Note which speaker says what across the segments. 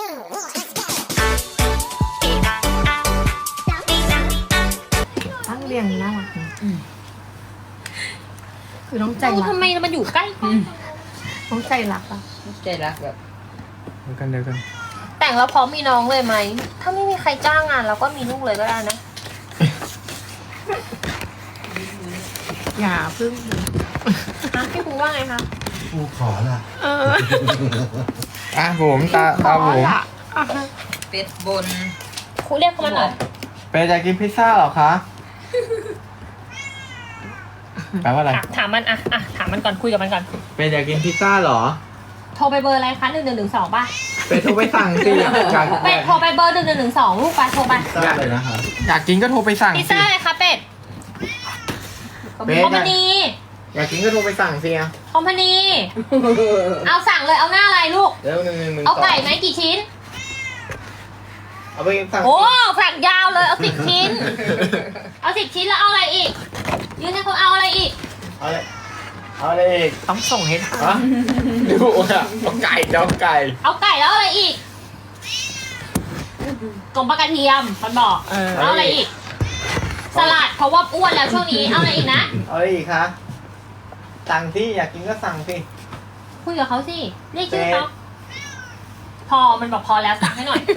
Speaker 1: ตั้งเรียงน่ารักคือน้องใจรัก
Speaker 2: ทำไมมันอยู่ใกล้กัน
Speaker 1: น้องใจรักอะ
Speaker 3: ใจรักแบบ
Speaker 4: เดียวกัน
Speaker 2: แต่งแล้วพร้อมมีน้องเลยไหม ถ้าไม่มีใครจ้างงานเราก็มีลูกเลยก็ได้นะ
Speaker 1: อย่าพึ่ง
Speaker 2: พี่ปูว่าไงคะ
Speaker 5: กูขอละ
Speaker 4: อ่ะผมตาผม
Speaker 3: เป็ดบน
Speaker 2: ครูเรียกเขามาหน่อย
Speaker 4: เป็นอยากกินพิซซ่าเหรอคะแปลว่าอะไร
Speaker 2: ถามมันถามมันก่อนคุยกับมันก่อน
Speaker 4: เป็นอยากกินพิซซ่าเหรอ
Speaker 2: โทรไปเบอร์อะไรคะ1112ป่ะ
Speaker 4: เป็นโทรไปสั่งสิอยาก
Speaker 2: เป็ดโทรไปเบอร์1112ลูกไปโทรไป
Speaker 5: ได้เลยนะคะ
Speaker 4: อยากกินก็โทรไปสั่ง
Speaker 2: พิซ
Speaker 4: สิ
Speaker 2: ซ่าอะไรคะเป็ด
Speaker 4: เป็ด
Speaker 2: คอมพานี
Speaker 4: อยากกินก็โทรไปสั่งสิอ่ะ
Speaker 2: คอมพานีเอาสั่งเลยเอาหน้าอะไรลูก
Speaker 4: เดี๋ยว111
Speaker 2: เอาไก่ไหมกี่ชิ้น
Speaker 4: เอาไปสั่ง
Speaker 2: โอ้สั่งยาวเลยเอา10 ชิ้น เอา10 ชิ้นแล้วเอาอะไรอีกยืนให้เขาเอาอะไรอีก
Speaker 4: เอาเลยเอาเลยอีก
Speaker 1: ต้องส่งให้ทัน
Speaker 4: ฮะดูอ่ะเอาไก่เอาไก่
Speaker 2: เอาไก่แล้วเอาอะไรอีกกลมปลากระเทียมมันบอกเอาอะไรอีก สลัดเพราะว่าอ้วนแล้วช่วงนี้เอาอะไรอีกนะ
Speaker 4: เอาอะไรอีกคะสั่งสิอยากกินก็สั่งสิ
Speaker 2: คุยกับเขาสิเรียกชื่อเขาพอมันบอกพอแล้วสั่งให้หน่อย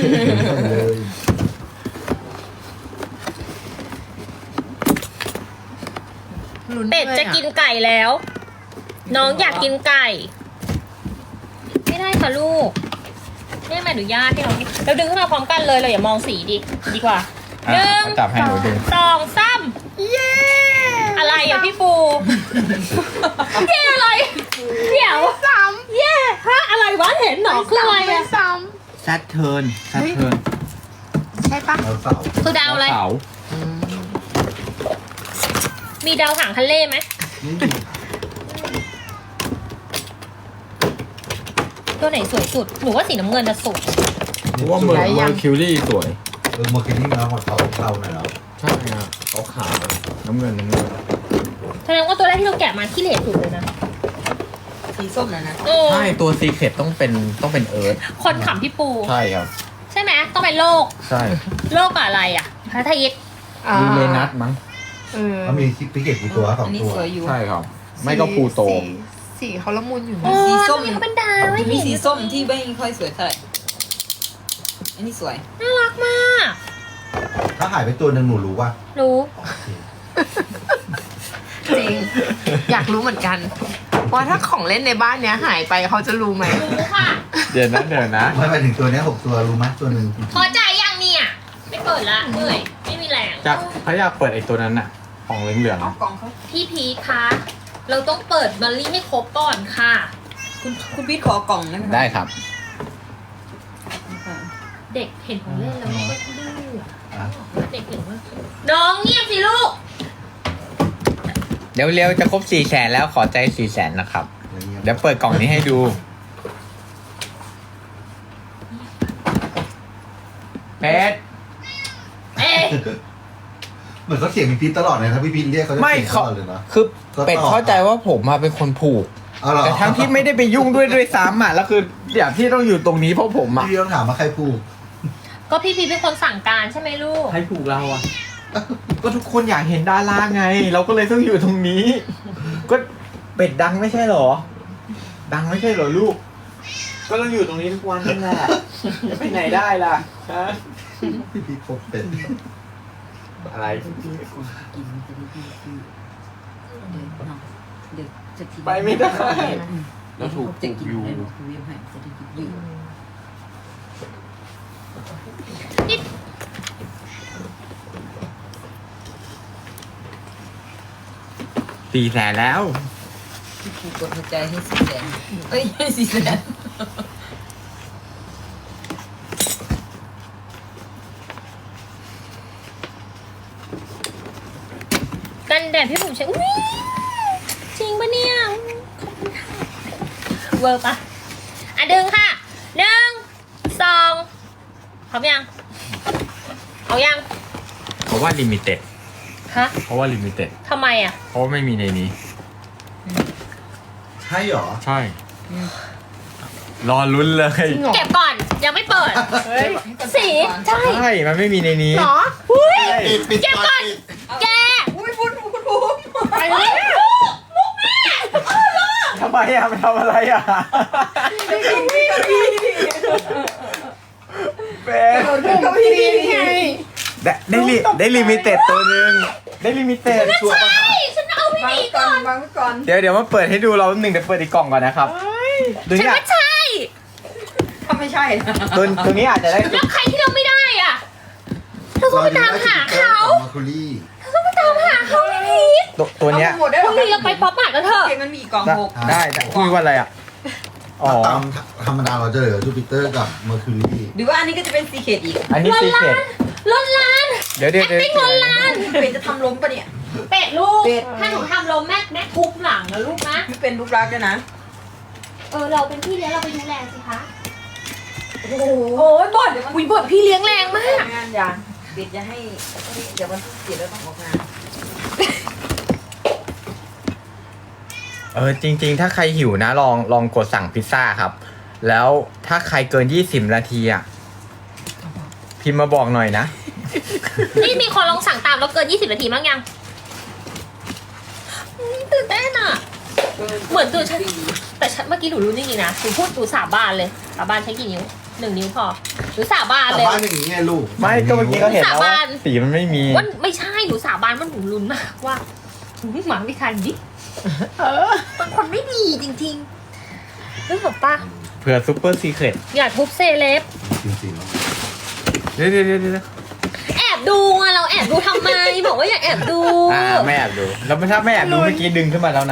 Speaker 2: เป็ดจะกินไก่แล้ว น้องอยากกินไก่ ไม่ได้ค่ะลูกแม่ไม่อนุญาตให้น้องกินเราดึงขึ้นมาพร้อมกันเลยเราอย่ามองสีดีกว่าหนึ่ง
Speaker 4: จับให้หนูดู
Speaker 2: สองสามเย้อะไรอ่ะพี่ปูเย้อะไรเดี๋ยวซ้ำเย้ฮะอะไรวะเห็นหนอคืออะไรอ่ะ
Speaker 1: ซ้
Speaker 4: แซดเทิร์นแซดเทิร์น
Speaker 1: ำใช่ปะ
Speaker 5: เราเสา
Speaker 2: คือดาวอะไร
Speaker 4: เสา
Speaker 2: มีดาวหางทะเลไหมตัวไหนสวยสุดหนูว่าสีน้ำเงินจะสุด
Speaker 4: เพราะว่าเมอร์คิวรี่สวย
Speaker 5: เมื่อกี้นี่มาของเขาหน่อยแล้ว
Speaker 4: ใช่ครับเขาขาวน้ำเงิน
Speaker 2: แสดงว่าตัวแรกที่เราแกะมาที่เหลสุดเลยนะ
Speaker 3: สีส้มนะ
Speaker 2: เออ
Speaker 4: ใช่ตัวซีเคร็ตต้องเป็นเอิร์ธ
Speaker 2: คนขำพี่ปู
Speaker 4: ใช่ครับ
Speaker 2: ใช่ไหมต้องเป็นโลก
Speaker 4: ใช่
Speaker 2: โลกกับอะไรอ่ะพระทยิต
Speaker 4: ยูเรนัสมั้ง
Speaker 5: เขามีพิเกตกี่ตัวสอ
Speaker 3: อั
Speaker 5: ง
Speaker 3: นนี้
Speaker 5: ตัว
Speaker 3: สวยอยู่
Speaker 4: ใช่ครับ ไม่ก็ปูโต
Speaker 1: สีเขาละมุนอยู่
Speaker 2: โอ้
Speaker 1: นะ
Speaker 3: สีส้ม
Speaker 2: ทำไเขาเป็นดาวไม่
Speaker 3: มี
Speaker 2: เห็น
Speaker 3: สีส้มที่ไม่ค่อยสวยเท่าไหร่อันนี้สวย
Speaker 2: น่ารักมาก
Speaker 5: ถ้าหายไปตัวหนึ่งหนูรู้ว่า
Speaker 2: รู้
Speaker 1: จริง อยากรู้เหมือนกันว่าถ้าของเล่นในบ้านเนี้ยหายไปเขาจะรู้ไหม
Speaker 2: รู้ค่ะ
Speaker 4: เดี๋ยวนะ
Speaker 5: ไม่ไปถึงตัวเนี้ย6 ตัวรู้ไหมตัวหนึ่ง
Speaker 2: พอใจยังเนี่ยไม่เปิดละเหนื่อยไม่มีแรง
Speaker 4: จะเขาอยากเปิดไอ้ตัวนั้นน่ะ ของเหลือง
Speaker 3: เอากล่องเขา
Speaker 2: พี่พีทคะเราต้องเปิดบัลลี่ให้ครบก่อนค่ะ
Speaker 3: คุณพีทขอกล่องได้ไหม
Speaker 4: ๆได้ครับ
Speaker 2: เด็กเห็นของเล่นแล้วมันก็ดื้อ
Speaker 5: อ่ะ
Speaker 2: เด็กเห็นว่าน้องเงียบสิลูก
Speaker 4: เร็วๆจะครบ400,000แล้วขอใจ400,000นะครับ เดี๋ยวเปิดกล่องนี้ให้ดูเป็ด
Speaker 2: เอ๊ะ
Speaker 5: เหมือนเขาเสียงพี่พีทตลอดเลยนะพี่พีทเรียกเขาจะ
Speaker 4: ไม่
Speaker 5: เสียงต
Speaker 4: เขา
Speaker 5: ลอดเลยนะ
Speaker 4: คือเป็ดเข้าใจว่าผมมาเป็นคนผูก
Speaker 5: เอาเหรอ
Speaker 4: แต่ทั้งที่ไม่ได้ไปยุ่งด้วยซ้ำอ่ะแล้วคืออย่างที่ต้องอยู่ตรงนี้เพราะผมอ่ะ
Speaker 5: พี่ต้องถามว่าใครผูก
Speaker 2: ก็พี่พีทเป็นคนสั่งการใช่ไหมลูก
Speaker 4: ใครผูกเราอ่ะ ก็ทุกคนอยากเห็นดาราไง เราก็เลยต้องอยู่ตรงนี้ ก็เป็ดดังไม่ใช่เหรอ ดังไม่ใช่เหรอลูก ก็ต้องอยู่ตรงนี้ทุกวันนั่นแหละจะไปไหนได้ล่ะฮะ
Speaker 5: พี่พีทพบเป็น
Speaker 4: อะไร ไปไม่ได้ แล้วถูก
Speaker 3: จะกิน
Speaker 4: อยู่
Speaker 3: ให้ลูกเรียบให้จะได้กินอยู่
Speaker 4: 400,000แล้ว
Speaker 3: พี่ปูกดหัวใจให้400,000เอ้ยให้400,000
Speaker 2: กันแดดพี่ผมใช้อุ้ยจริงปะเนี่ยขอบคุณค่ะเวอร์ปะอ่ะดึงค่ะ1 2พร้อมยังเอายัง
Speaker 4: เพราะว่าลิมิเต็ด
Speaker 2: ฮะ
Speaker 4: เพราะว่าลิมิเต็ด
Speaker 2: ทำไมอ่ะ
Speaker 4: เพราะว่าไม่มีในนี้
Speaker 5: ใช่เหรอ
Speaker 4: ใช่ รอลุ้นเลย
Speaker 1: จริงเหรอ
Speaker 2: เก็บก่อนยังไม่เปิด
Speaker 1: เฮ้ย
Speaker 2: สีใช่
Speaker 4: ใช่ มันไม่มีในนี้
Speaker 1: เหรอ
Speaker 2: อุ้ย
Speaker 5: ปิด
Speaker 2: เก็บก่อนแก
Speaker 3: อุ้ยคุณ
Speaker 1: ไปเลย
Speaker 2: มุกแม่
Speaker 4: ทำไมอ่ะมันทำอะไรอ่ะเป็น
Speaker 1: ก็พี่ไง
Speaker 4: ได้ลิมิเต็ดตัวหนึ่งได้ลิมิเต็ดชัวร์ป่ะครับ
Speaker 2: ฉันเอาไป
Speaker 3: วาง
Speaker 2: นี่
Speaker 3: ก่
Speaker 2: ก่
Speaker 3: อ
Speaker 2: อน น
Speaker 3: วางไว้ก่อน
Speaker 4: เดี๋ยวมาเปิดให้ดูเราหนึ่งเดี๋ยวเปิดอีกกล่องก่อนนะครับดู
Speaker 2: ฉัน
Speaker 4: เนี่ย
Speaker 2: ว่าใช่
Speaker 3: ถ้าไม่ใช่นะ
Speaker 4: ตัวนี้อาจจะได้
Speaker 2: แล้วใครที่เราไม่ได้อ่ะเราต้องไปตามหาเขา
Speaker 5: มาคุรี่
Speaker 2: เราต้องไปตามหาเขาพี่พีท
Speaker 4: ตัวเนี้ย
Speaker 3: เอาหมดได้
Speaker 2: พรุ่งนี้เราไปป๊อปมาร์ทกันเถอะ
Speaker 3: เกมมันมีอีกกล่องหก
Speaker 4: ได้คุยว่าอะไรอ่ะอ๋อ
Speaker 5: ตามธรรมดาเราจะเหลือจูปิเตอร์กับเมอร์คิวรี
Speaker 3: หรือว่าอันนี้ก็จะเป็นซีเคดอีก
Speaker 4: อันนี้ซีเค็ด
Speaker 2: ล้นล้าน
Speaker 4: เดี๋ยว
Speaker 2: ติ้งล้นล้าน
Speaker 3: เป็นจะทำล้มปะเนี่ย
Speaker 2: เป็ดลูก
Speaker 3: เป็ด
Speaker 2: ถ้าหนูทำลมแม่ทุบหลังนะลูกนะ
Speaker 3: ไม่เป็นรูปรักษณ์ด้วยนะ
Speaker 2: เราเป็นพี่เลี้ยงเราไปดูแลสิคะ
Speaker 3: โอ้โห
Speaker 2: โอ้ยบ่นอุ้ยบ่นพี่เลี้ยงแรงมาก
Speaker 3: งานอย่างเป็ดจะให้เดี๋ยววันที่7แล้วต้องออกงาน
Speaker 4: จริงๆ ถ้าใครหิวนะลองกดสั่งพิซซ่าครับ แล้วถ้าใครเกิน20 นาทีอ่ะพิมพ์มาบอกหน่อยนะ
Speaker 2: นี่มีคนลองสั่งตามแล้วเกิน20 นาทีบ้างยังตื่นเต้นอ่ะ เหมือนตัวฉัน แต่ฉันเมื่อกี้หนูรู้จริงๆนะหนูพูดหนูสาบานเลยสาบานใช้กี่นิ้ว1 นิ้วพอหนูสาบาน
Speaker 5: แต่
Speaker 2: เลย
Speaker 5: บ้านอย่างนี้ไงลูก
Speaker 4: ไม่ก็เมื่อกี้ก็เห็นแล้วว่า
Speaker 2: สาบาน
Speaker 4: สีมันไม่มี
Speaker 2: ว่าไม่ใช่หนูสาบานว่าหนูลุ้นมากว่าหมาไม่ทันดิมันคนไม่ดีจริงๆนึกออกปะ
Speaker 4: เผื่อซุปเปอร์ซีเครต
Speaker 2: อย่าทุบเซเลบ
Speaker 5: จริงๆแล้ว
Speaker 4: เดี๋ยว
Speaker 2: แอบดูอะเราแอบดูทำไมบอกว่าอย่าแอบดู
Speaker 4: ไม่แอบดูแล้วถ้าไม่แอบดูเมื่อกี้ดึงขึ้นมาแล้วนะ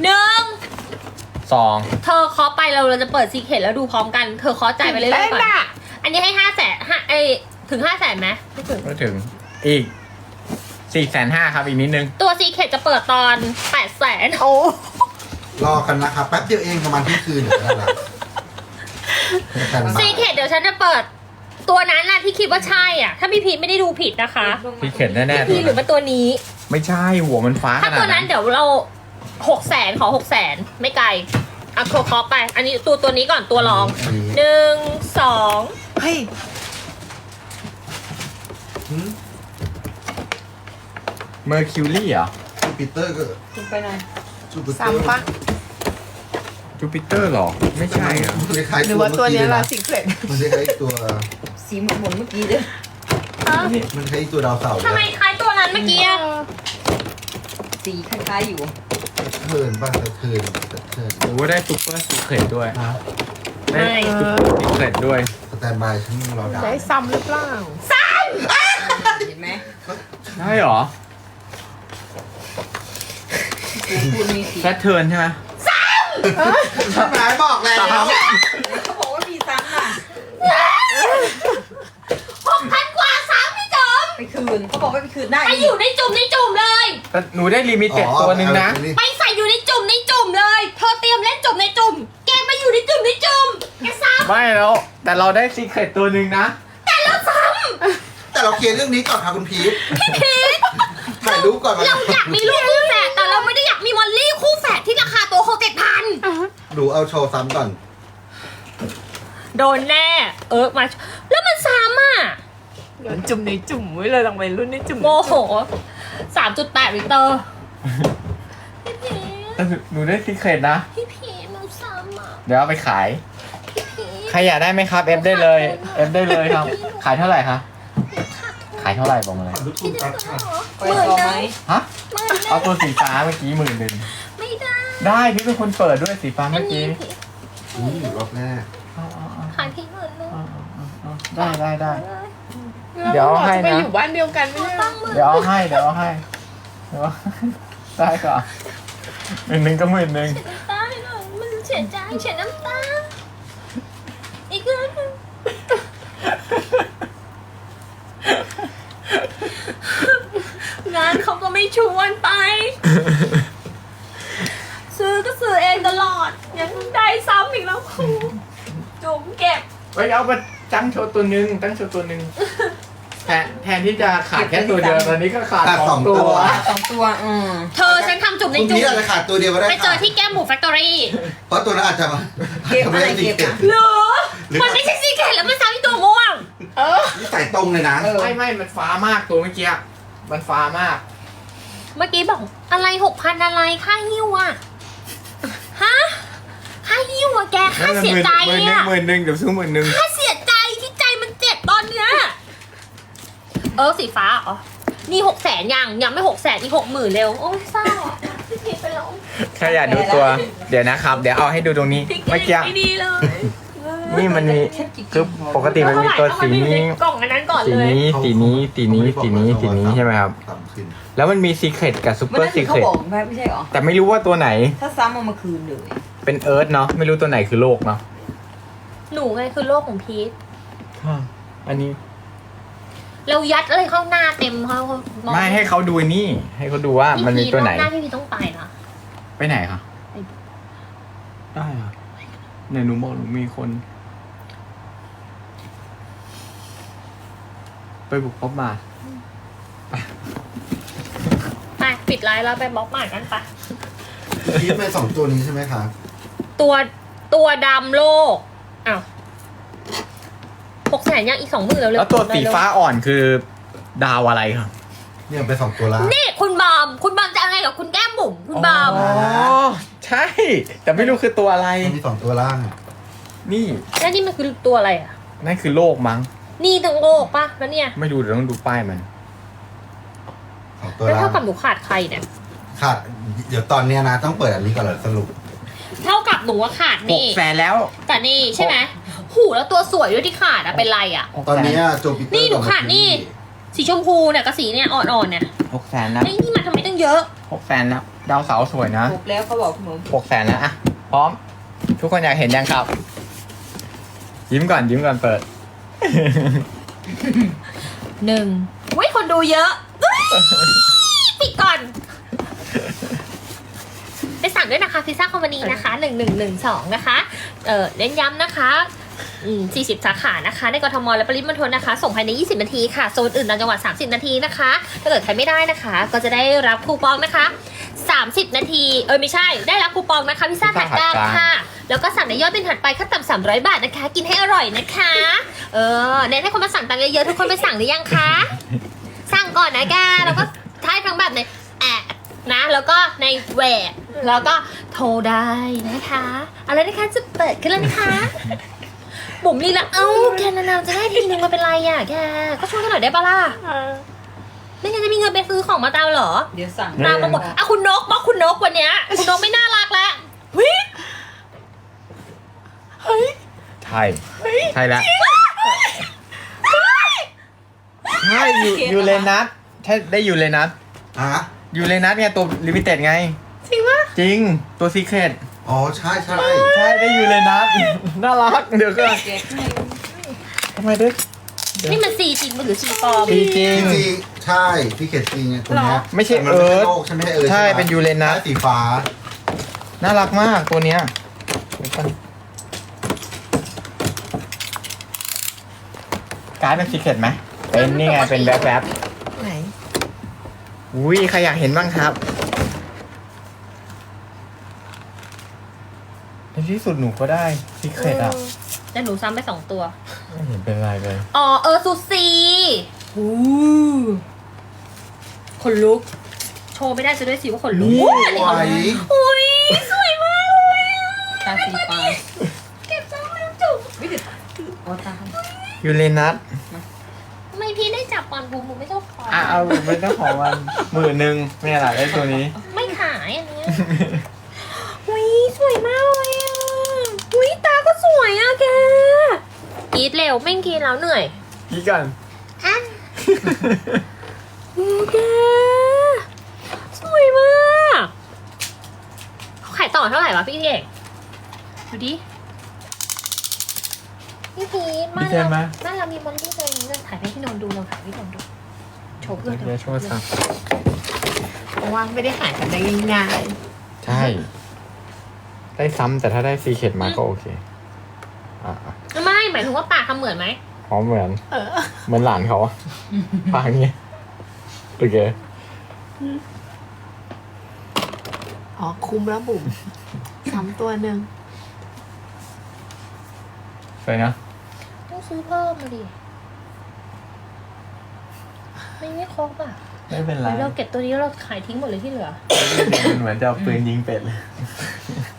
Speaker 2: 1
Speaker 4: 2
Speaker 2: เธอเคาะไปเราจะเปิดซีเคทแล้วดูพร้อมกันเธอเคาะจ่ายไปเรื่อยๆก่อนอันนี้ให้500,000ถึง500,000ไหมไม่ถึง
Speaker 4: ก็ถึงอีก 450,000ครับอีกนิดนึง
Speaker 2: ตัวซีเคทจะเปิดตอน800,000
Speaker 1: โอ้
Speaker 5: รอกันนะครับแป๊บเดียวเองประมาณที่คืนเดี๋ยวได้ละแต่บ่าย
Speaker 2: ซีเคทเดี๋ยวฉันจะเปิดตัวนั้นน่ะที่คิดว่าใช่อ่ะถ้าพี่พีทไม่ได้ดูผิดนะคะ
Speaker 4: ซีเครตแน่ๆ
Speaker 2: พี่หรือว่าตัวนี้
Speaker 4: ไม่ใช่หัวมันฟ้าข
Speaker 2: ถ้า
Speaker 4: นา
Speaker 2: ตัว
Speaker 4: ด
Speaker 2: นั้
Speaker 4: นั้น น
Speaker 2: เดี๋ยวเรา600,000ขอ600,000ไม่ไกลอ่ะเคาะไป อันนี้ตัวนี้ก่อนตัวรอง
Speaker 5: อันนี้
Speaker 2: 1 2
Speaker 1: เฮ้ย
Speaker 4: เมอร์คิวรี่เหรอ
Speaker 5: จูปิเตอร์ก็
Speaker 3: คุณไปหน่อย
Speaker 5: จูปิเตอร์
Speaker 1: ซ้ำปะ
Speaker 4: จูปิเตอร์หรอ ไม่ใช่เหรอ
Speaker 5: มันคล้ายๆ
Speaker 1: หรือว่าตัวเนี้ย
Speaker 5: เมื่อ
Speaker 1: ละ
Speaker 5: กี้
Speaker 1: สิเครต
Speaker 5: มันคล้ายๆตัว
Speaker 3: สีหมุนเมื่อกี้เด้อ
Speaker 5: มันคล้ายๆตัวดาวเสาร์
Speaker 2: ทำไมคล้ายตัวนั้นเมื่อกี้อะ
Speaker 3: สีคล้ายๆอยู่
Speaker 5: เทิร์นป่ะเทิร์น
Speaker 4: โอ้ได้ซุปเปอร์ซีเครตด้วย
Speaker 5: ฮะ
Speaker 4: ได้ซุปเปอร์ซีเครตด้วย
Speaker 5: สแตนบายฉันรอดาว
Speaker 1: ได้ซ้ำหรือเปล่า
Speaker 3: เห็นไหม
Speaker 4: ใช่เหรอ
Speaker 3: คุณมีสี
Speaker 4: แพทเทิร์นใช่ไหม
Speaker 5: ทำไมบอกแล้ว
Speaker 3: เขาบอกว่ามีซ้ำน่ะ
Speaker 2: 6,000 กว่า3พี่จอม
Speaker 3: ไปคืนเขาบอกว่าไปคืนได้
Speaker 2: ไปอยู่ในจุ่มเลย
Speaker 4: แต่หนูได้ลิมิเต็ดตัวหนึ่งนะ
Speaker 2: ไปใส่อยู่ในจุ่มเลยเธอเตรียมเล่นจุ่มในจุ่มแกมาอยู่ในจุ่มแกซ้
Speaker 4: ไม่แล้ว แต่เราได้ซีเครตตัวหนึ่งนะ
Speaker 5: แต่เราเคลียร์เรื่องนี้ก่อนค่ะคุณพีทถ่ายรูปก่อน
Speaker 2: ำเราอยากมีลูกคู่แฝดแต่เราไม่ได้อยากมีมอลลี่คู่แฝดที่ราคาตัวเขา7,000
Speaker 5: ดูเอาโชว์ซ้ำก่อน
Speaker 2: โดนแน่มาแล้วมันซ้ำอ่ะ
Speaker 1: เดี๋ยวจุ่มในจุ่มไว้เลยลองไปรุ่นในจุ่ม
Speaker 2: โมโห 3.8 ลิตรพี่พี
Speaker 4: แต่หนูได้ซีเครตนะ
Speaker 2: พี่พีมันซ้ำอ่ะ
Speaker 4: เดี๋ยวเอาไปขาย
Speaker 2: พี่พี
Speaker 4: ใครอยากได้ไหมครับ เอฟได้เลยเอฟได้เลยครับ ขายเท่าไหร่คะขายเท่าไหร่บอกมาเลย
Speaker 5: รูปคุณตัดค่ะ
Speaker 3: ไปต่อไหม
Speaker 4: ฮะ เอาตัวสีฟ้าเมื่อกี้10,000
Speaker 2: ไม่ได้
Speaker 4: ได้พี่เป็นคนเปิดด้วยสีฟ้า
Speaker 2: อั
Speaker 4: เมื่
Speaker 2: น
Speaker 4: อ
Speaker 2: นี้
Speaker 4: กี้
Speaker 2: พี่
Speaker 5: นี่รอบแรก
Speaker 2: ขายพี่เงินเลย
Speaker 4: ได้ เดี๋ยวเอาให้นะ
Speaker 1: จะไปอยู่บ้านเดียวกันไม่ใช่เหรอ
Speaker 2: ตั้งมือ
Speaker 4: เดี๋ยวเอาให้ได้ก่อน10,000ก็10,000
Speaker 2: ได้หน่อยมันเสียใจเสียน้ำตาอีกเรื่องนึงงานเขาก็ไม่ชวนไป ซื้อก็ซื้อเองตลอด ยังได้ซ้ำอีกแล้วครูจุ๋มเก็บ
Speaker 4: เฮ้ยเอามาตั้งโชว์ตัวหนึ่งแทนที่จะขาดแค่ตัวเดียวตอนนี้ก็ขาด
Speaker 5: ขาด
Speaker 4: 2 ตัว
Speaker 3: 2 ตัว
Speaker 2: เธอฉันทำจุ่มใน
Speaker 5: คุณ
Speaker 2: จุ่
Speaker 5: พี
Speaker 2: ม
Speaker 5: ทอาจจะขาดตัวเดียวก็ได้
Speaker 2: ไปเจอที่แก้มหมูแฟคทอรี่
Speaker 5: เพราะตัวนั้นอาจจะมา
Speaker 3: เก็บอะไรเก็บอ่ะ
Speaker 2: เหรอ
Speaker 5: หรือ
Speaker 2: มันไม่ใช่ซีเคร็ตแล้วมันซ้ำที่ตัวม่วง
Speaker 1: เออ
Speaker 5: นี่ใส่ตรงเลยนะ
Speaker 4: ไม่มันฟ้ามากตัวเมื่อกี้มันฟ้ามาก
Speaker 2: เมื่อกี้บอกอะไร6,000อะไรค่าหิ้วอะฮะค่าหิ้วอะแกค่าเสียใจอะ
Speaker 4: หมื่นหนึ่งเดี๋ยวซื้อ10,000
Speaker 2: ค่าเสียใจที่ใจมันเจ็บตอนเนี้ยสีฟ้าอ๋อนี่600,000ยังไม่600,000อีก60,000เร็วโอ้ยเศร้าอ่ะพี่พีชไปแล้ว
Speaker 4: ใครอยากดูตัว เดี๋ยวนะครับ เดี๋ยวเอาให้ดูตรงนี้ เมื่อกี้
Speaker 2: ไม่ดีเลย
Speaker 4: นี่มันมีคือปกติมันมีตัวสี
Speaker 2: เอามาอยู่
Speaker 4: นี้
Speaker 2: ในกล่องอันนั้นก่อน
Speaker 4: สี
Speaker 2: เลย
Speaker 4: นี้สีนี้สีนี้สีนี้สีนี้ใช่ไหมครับ
Speaker 5: ต่ำขึ้น
Speaker 4: แล้วมันมีซีเครตกับซู
Speaker 3: มัน
Speaker 4: เปอ
Speaker 3: นั่
Speaker 4: ร์
Speaker 3: น
Speaker 4: ซี
Speaker 3: คือ
Speaker 4: เค
Speaker 3: เขา
Speaker 4: รต
Speaker 3: บอกแม่ไม่ใช่หรอ
Speaker 4: แต่ไม่รู้ว่าตัวไหน
Speaker 3: ถ้าซ้ำเอามาคืนเลย
Speaker 4: เป็นเอิร์ธเนาะไม่รู้ตัวไหนคือโลกเนาะ
Speaker 2: หนูไงคือโลกของพีท
Speaker 4: อันนี้
Speaker 2: เรายัดอะไรเข้าหน้าเต็มเขามอง
Speaker 4: ไม่ให้เขาดูนี่ ให้เขาดูว่ามันมีตัวไหน
Speaker 2: พี่พีทรอบหน้าพี่พีทต้องไปนะ
Speaker 4: ไปไหนคะได้ค่ะเนี่ยหนูบอกหนูมีคน ไปบุกพบมา
Speaker 2: ไปปิดไลน์แล้วไปบล็อกหมากันไป
Speaker 5: คิดไป2ตัวนี้ใช่ไหมคะ
Speaker 2: ตัวดำโลกอ้าว600,000ยังอีก20,000แล้วเร็ว
Speaker 4: แล้วตัวสีฟ้าอ่อนคือดาวอะไรครับ
Speaker 5: เนี่ยไป2ตัวล่าง
Speaker 2: นี่คุณบอมจะอะไรกับคุณแก้มบุ๋มคุณบอม
Speaker 4: อ๋อใช่ แต่ไม่รู้คือตัวอะไร
Speaker 5: มันมี2ตัวล่างอะ
Speaker 4: นี่
Speaker 2: แล้วนี่มันคือตัวอะไรอ่ะ
Speaker 4: นั่นคือโลกมั้ง
Speaker 2: นี่ทั้งโลกปะแล้วเนี่ย
Speaker 4: ไม่ดูเดี๋ยวต้องดูป้ายมัน
Speaker 5: 2ตัว
Speaker 2: แล้ว
Speaker 5: ล่า
Speaker 2: เท่าง กับหนูขาดใครเนี่ย
Speaker 5: ขาดเดี๋ยวตอนเนี้ยนะต้องเปิดอันนี้ก่อนเลยสรุป
Speaker 2: เท่ากับหนูว่าขาดนี่
Speaker 4: 600,000แล้ว
Speaker 2: แต่นี่ใช่ไหมหูแล้วตัวสวยด้วยที่ขาดอะเป็นไรอะ
Speaker 5: ตอนเนี้ยโจปิเตอร์
Speaker 2: นี่หนูขาดนี่ สีชมพูเนี่ยกับสีเนี่ยอ่อนๆเนี่ย
Speaker 4: 600,000แล้ว
Speaker 2: ไอ้นี่มันทำไมตั้งเยอะ
Speaker 4: 600,000แล้ว ดาวเสาร์สวยนะ
Speaker 3: ถูกแล้วเขาบอกคุณหนู
Speaker 4: 600,000แล้วอะพร้อม ทุกคนอยากเห็นยังครับ ยิ้มก่อนเปิด
Speaker 2: 1เว้ยคนดูเยอะเอ้ยปิดก่อน ไปสั่งด้วยนะคะพิซซ่าคอมพานีนะคะ1112นะคะเน้นย้ำนะคะ40 สาขานะคะในกทมและปริมณฑลนะคะส่งภายใน20 นาทีค่ะโซนอื่นต่างจังหวัด30 นาทีนะคะถ้าเกิดใครไม่ได้นะคะ ก็จะได้รับคูปองนะคะ30 นาทีไม่ใช่ได้รับคูปองนะคะพิซซ่าถัดกลางค่ะแล้วก็สั่งในยอดเป็นถัดไปขั้นต่ำ300 บาทนะคะ กินให้อร่อยนะคะเน้นให้คนมาสั่งตังค์เยอะๆทุกคนไปสั่งหรือยังคะสั่งก่อนนะแกแล้วก็ท้ายทั้งแบบในแอบนะแล้วก็ในแหวกแล้วก็โทรได้นะคะอะไรนะคะจะเปิดขึ้นแล้วนะคะบุ๋มลีละแกนานๆจะได้ทีนึงมาเป็นไรอ่ะแกก็ช่วยกันหน่อยได้ปะล่ะไม่งั้นจะมีเงินไปซื้อของมาตามเหรอ
Speaker 3: เดี๋ยวสั่ง
Speaker 2: ตามมาหมดคุณนกบอกคุณนกวันเนี้ยคุณนกไม่น่ารักแล้วเฮ้ย
Speaker 4: ใช่ใช่แล้วใช่ยูเรนัสใช่ได้ยูเรนัส
Speaker 5: ฮะ
Speaker 4: ยูเรนัสไงตัวลิมิเต็ดไง
Speaker 2: จริงปะ
Speaker 4: จริงตัวซีเครต
Speaker 5: อ๋อใช่
Speaker 4: ใช่ได้ยูเรนัส น่ารักเดี๋ยวก็
Speaker 3: เก็บให้
Speaker 4: ทำไมด้วย
Speaker 2: นี่มันซีจริงหรือซีปลอม
Speaker 4: จริง
Speaker 5: จริงๆใช่พี่เขตจริงไงคนเนี้ย
Speaker 4: ไม่ใช่
Speaker 5: แต่มันไม่
Speaker 4: เอิร์ธ
Speaker 5: โลกใช่ไหมเอิร์ธ
Speaker 4: ใช่
Speaker 5: ปะ
Speaker 4: เป็นยูเรนัส
Speaker 5: ใช่สีฟ้า
Speaker 4: น่ารักมากตัวเนี้ยเดี๋ยวก่อนการ์ดเป็นซีเครตไหมเป็นนี่ไงเป็นแวบ
Speaker 1: ไหน
Speaker 4: ๆอุ้ยใครอยากเห็นบ้างครับในที่สุดหนูก็ได้ซีเครตอ่ะ
Speaker 2: แต่หนูซ้ำไป2 ตัว
Speaker 4: ไม่เห็นเป็นไรเลย
Speaker 2: ซูซีขนลุก โชว์ไม่ได้จะด้วยสิว่าขนลุก
Speaker 5: นี่
Speaker 2: อันนี้
Speaker 5: ไหว
Speaker 2: อุ้ยสวยมากเลยอะ
Speaker 3: ตาสีฟ้า
Speaker 2: เก็บซ้ำไม่จุก
Speaker 3: วิจิตอ๋อตา
Speaker 4: ยูเรนัส
Speaker 2: ทำไมพี่ได้จับปอนบูมไม่ชอบปอน
Speaker 4: เอาเป็นเจ้าของมัน10,000ไม่อะไรได้ตัวนี้
Speaker 2: ไม่ขายอันเนี้ยอุ้ยสวยมากเลยอ่ะอุ้ยตาก็สวยอ่ะแกกรีดเร็วไม่กรีดแล้วเหนื่อย
Speaker 4: พี่กัน
Speaker 2: อ่ะแกสวยมากเขาขายต่อเท่าไหร่วะพี่เอกดูดิพี่พีทมา
Speaker 4: ดีใจไหม
Speaker 2: บ้านเรามีมอลลี่เลยนี่เราถ่ายให้พี่นนท์ดูเราถ่ายให้พี่นนท์ดูโชว์เพื่อนดู
Speaker 4: เดี๋ยวช่วยสั่ง
Speaker 1: เพราะว่าไม่ได้หายกันได้ง่าย
Speaker 4: ใช่ ได้ซ้ำแต่ถ้าได้ซีเครตมาก็โอเคอ่ะ
Speaker 2: ไม่หมายถึงว่าปากทำเหมือนไหม
Speaker 4: อ๋อเหมือน
Speaker 1: ๆ
Speaker 4: เหมือนหลานเขาอะปากนี้โอเค
Speaker 1: อ๋อคุ้มแล้วบุ๋มซ้ำตัวหนึ่ง
Speaker 4: ไปนะ
Speaker 2: ต้องซื้อเพิ่มมาดิไม่ครบอ่ะ
Speaker 4: ไม่เป็นไร
Speaker 2: เราเก็บตัวนี้เราขายทิ้งหมดเลยที่เหลือ
Speaker 4: มันเหมือนจะเอาปืนยิงเป็ดเลย